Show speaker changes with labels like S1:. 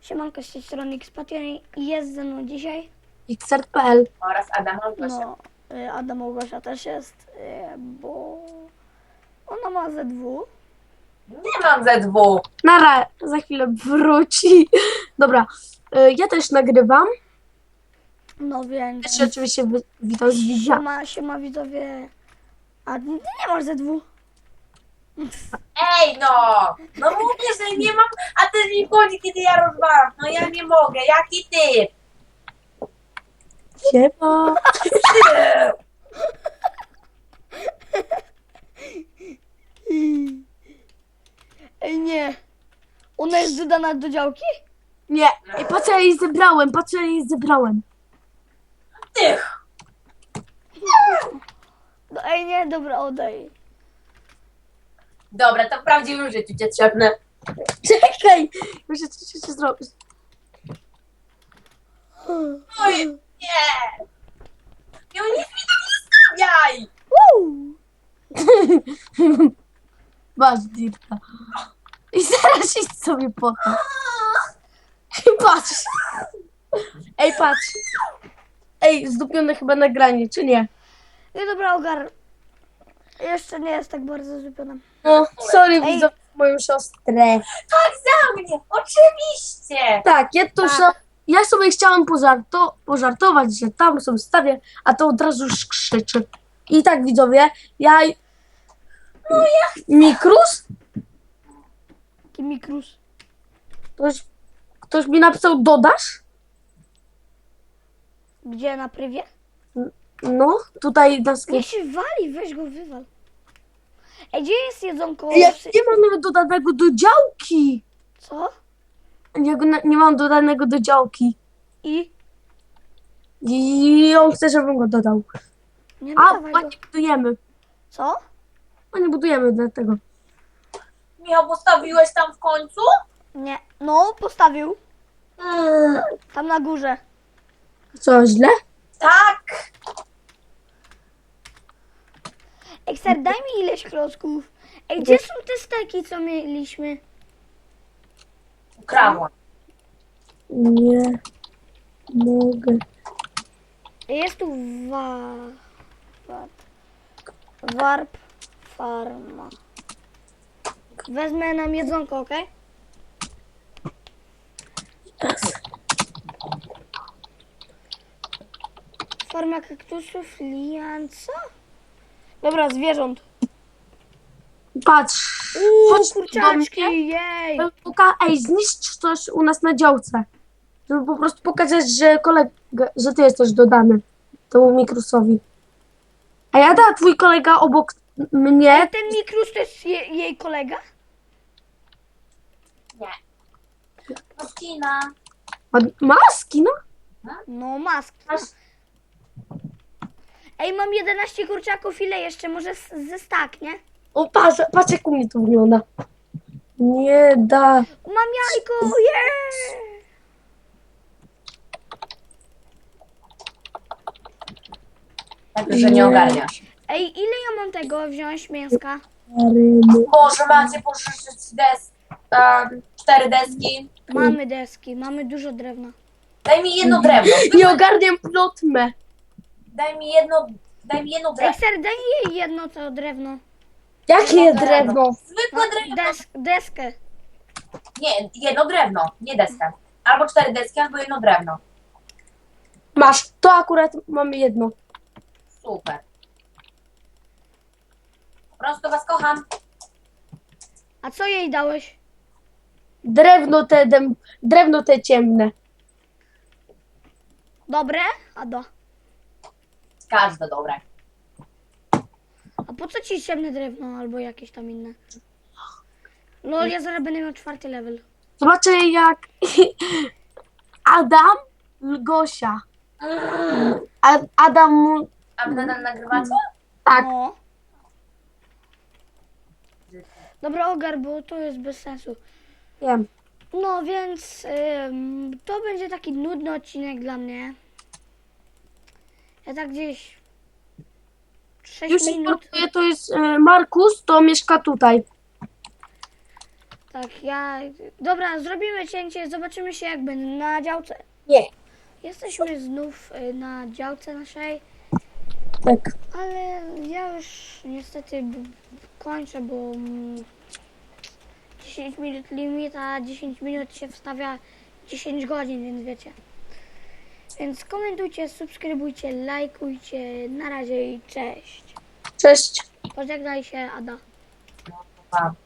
S1: Siemanko, z tej strony Xpation i jest ze mną dzisiaj.
S2: Xert.pl.
S3: Oraz Adam Małgosia.
S1: No, Adam Małgosia też jest, bo ona ma ZW.
S3: Nie mam ZW.
S2: Nara, za chwilę wróci. Dobra, ja też nagrywam.
S1: No więc.
S2: Też się oczywiście witam z widza.
S1: Siema widzowie. A ty nie masz ZW.
S3: Ej no! No mówię, że nie mam, a ty mi chodzi, kiedy ja rozwalam. No ja nie mogę, jaki ty?
S2: Siema.
S1: Ej nie. Ona jest dodana do działki?
S2: Nie, ej, patrz, ja jej zebrałem.
S3: Ty!
S1: No, ej nie, dobra, oddaj.
S3: Dobra, to w prawdziwym życiu cię trzepnę.
S2: Czekaj, muszę coś jeszcze zrobić.
S3: Oj, nie! No nic mi tam nie stawiaj!
S2: Masz dirta. I zaraz idź sobie po to. Ej, patrz. Ej, patrz. Ej, zdupione chyba nagranie, czy nie?
S1: Nie, dobra, ogar. Jeszcze nie jest tak bardzo złupiona.
S2: No, sorry,
S1: Ej.
S2: widzę moją siostrę.
S3: Tak za mnie, oczywiście!
S2: Tak,
S3: Tak.
S2: ja sobie chciałam pożartować, że tam sobie stawię, a to od razu już krzyczy. I tak, widzowie, Mikrus?
S1: Taki mikrus.
S2: Ktoś mi napisał, dodasz?
S1: Gdzie, na prywie?
S2: No, tutaj na sklepie.
S1: Niech się wali, weź go, wywal. Ej, gdzie jest jedzonko?
S2: Ja nie mam nawet dodanego do działki.
S1: Co?
S2: Nie mam dodanego do działki. I on chce, żebym go dodał.
S1: Nie
S2: A,
S1: dawaj
S2: bo
S1: go.
S2: nie budujemy.
S1: Co?
S2: A nie budujemy dlatego.
S3: Michał, postawiłeś tam w końcu?
S1: Nie. No, postawił. Tam na górze.
S2: Co, źle?
S3: Tak!
S1: Ekser, daj mi ileś klocków. Ej, gdzie są te steki, co mieliśmy?
S3: Ukradłam.
S2: Nie mogę.
S1: Jest tu warp farma. Wezmę nam jedzonko, okej? Farma kaktusów, lian, co? Dobra, zwierząt.
S2: Patrz. Chodź tu do
S1: Kurczaczki,
S2: mnie.
S1: jej!
S2: Ej, zniszcz coś u nas na działce. Żeby po prostu pokazać, że ty jesteś dodany temu Mikrusowi. A ja da twój kolega obok mnie.
S1: Ten mikrus to jest jej kolega?
S3: Nie. Marcina.
S2: Maski, no?
S1: No, mask. Ej, mam 11 kurczaków, ile jeszcze? Może ze stak, nie?
S2: O, patrz jak u mnie to wygląda. Nie da.
S1: Mam jajko, yeah!
S3: Tak, że nie ogarniasz.
S1: Ej, ile ja mam tego wziąć mięska?
S3: Boże, macie pożyczyć 4 deski.
S1: Mamy deski, mamy dużo drewna.
S3: Daj mi jedno drewno.
S2: Nie ogarniam plotmę.
S3: Daj mi jedno drewno.
S1: Ekser, daj jej jedno to drewno.
S2: Jakie drewno?
S3: Zwykłe drewno.
S1: Deskę.
S3: Nie, jedno drewno, nie deskę. Albo 4 deski, albo jedno drewno.
S2: Masz, to akurat mamy jedno.
S3: Super. Po prostu was kocham.
S1: A co jej dałeś?
S2: Drewno te ciemne.
S1: Dobre? Ado.
S3: Każde dobre.
S1: A po co ci ciemne drewno albo jakieś tam inne? No, ja zaraz będę miał 4. level.
S2: Zobaczę jak Adam Gosia. Adam,
S3: A wy nadal nagrywacie?
S2: tak,
S1: No. Dobra, ogar, bo to jest bez sensu.
S2: wiem.
S1: No więc to będzie taki nudny odcinek dla mnie. Ja tak gdzieś 6
S2: Już
S1: minut.
S2: informuję, to jest Markus, to mieszka tutaj.
S1: Tak, Dobra, zrobimy cięcie, zobaczymy się jakby na działce.
S2: Nie.
S1: Jesteśmy znów na działce naszej,
S2: Tak.
S1: ale ja już niestety kończę, bo 10 minut limit, a 10 minut się wstawia 10 godzin, więc wiecie. Więc komentujcie, subskrybujcie, lajkujcie. Na razie i cześć.
S2: Cześć.
S1: Pożegnaj się, Ada.
S3: Pa.